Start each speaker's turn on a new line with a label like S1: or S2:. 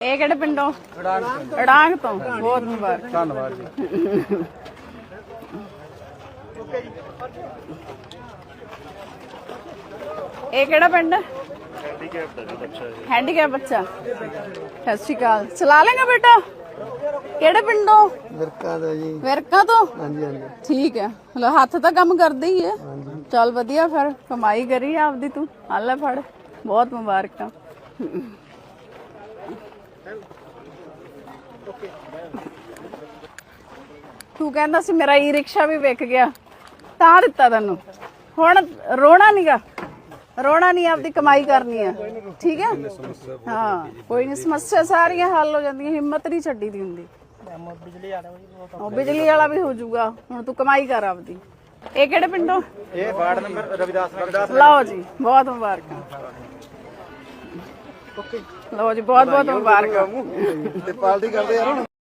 S1: ਇਹ ਕਿਹੜੇ ਪਿੰਡੋਂ? ਅੜਾਂਗ ਤੋਂ। ਬਹੁਤ ਮੁਬਾਰਕ।
S2: ਧੰਨਵਾਦ ਜੀ।
S1: ਇਹ ਕਿਹੜਾ ਪਿੰਡ? ਹੈਂਡੀਕੈਪ ਬੱਚਾ। ਸਤਿ ਸ਼੍ਰੀ ਅਕਾਲ। ਚਲਾ ਲੇਗਾ ਬੇਟਾ? ਕਿਹੜੇ ਪਿੰਡੋਂ?
S2: ਵਿਰਕਾ ਦਾ ਜੀ।
S1: ਵਿਰਕਾ ਤੋਂ?
S2: ਹਾਂਜੀ ਹਾਂਜੀ।
S1: ਠੀਕ ਹੈ। ਹੱਥ ਤਾਂ ਕੰਮ ਕਰਦੇ ਹੀ ਹੈ। ਚੱਲ ਵਧੀਆ, ਫਿਰ ਕਮਾਈ ਕਰੀ ਆਪਦੀ ਤੂੰ। ਆ ਲੈ ਫੜ, ਬਹੁਤ ਮੁਬਾਰਕਾਂ। ਤੂੰ ਕਹਿੰਦਾ ਸੀ ਮੇਰਾ ਈ ਰਿਕਸ਼ਾ ਵੀ ਵਿਕ ਗਿਆ, ਤਾਂ ਦਿੱਤਾ ਤੈਨੂੰ। ਹੁਣ ਰੋਣਾ ਨੀਗਾ, ਰੋਣਾ ਨਹੀਂ, ਆਪਦੀ ਕਮਾਈ ਕਰਨੀ ਆ। ਠੀਕ ਹੈ? ਹਾਂ, ਕੋਈ ਨਹੀਂ, ਸਮੱਸਿਆ ਸਾਰੀਆਂ ਹੱਲ ਹੋ ਜਾਂਦੀਆਂ, ਹਿੰਮਤ ਨਹੀਂ ਛੱਡੀ ਦੀ ਹੁੰਦੀ। ਬਿਜਲੀ ਵਾਲਾ ਵੀ ਹੋ ਜਾਊਗਾ। ਹੁਣ ਤੂੰ ਕਮਾਈ ਕਰ ਆਪਦੀ। ਇਹ ਕਿਹੜੇ ਪਿੰਡੋਂ?
S2: ਇਹ ਵਾਰਡ ਨੰਬਰ ਰਵਿਦਾਸ।
S1: ਲਓ ਜੀ, ਬਹੁਤ ਮੁਬਾਰਕਾਂ। ਲਓ ਜੀ, ਬਹੁਤ ਬਹੁਤ ਮੁਬਾਰਕਾਂ।
S2: ਤੇ ਪਾਲਟੀ ਕਰਦੇ ਯਾਰ ਹੁਣ।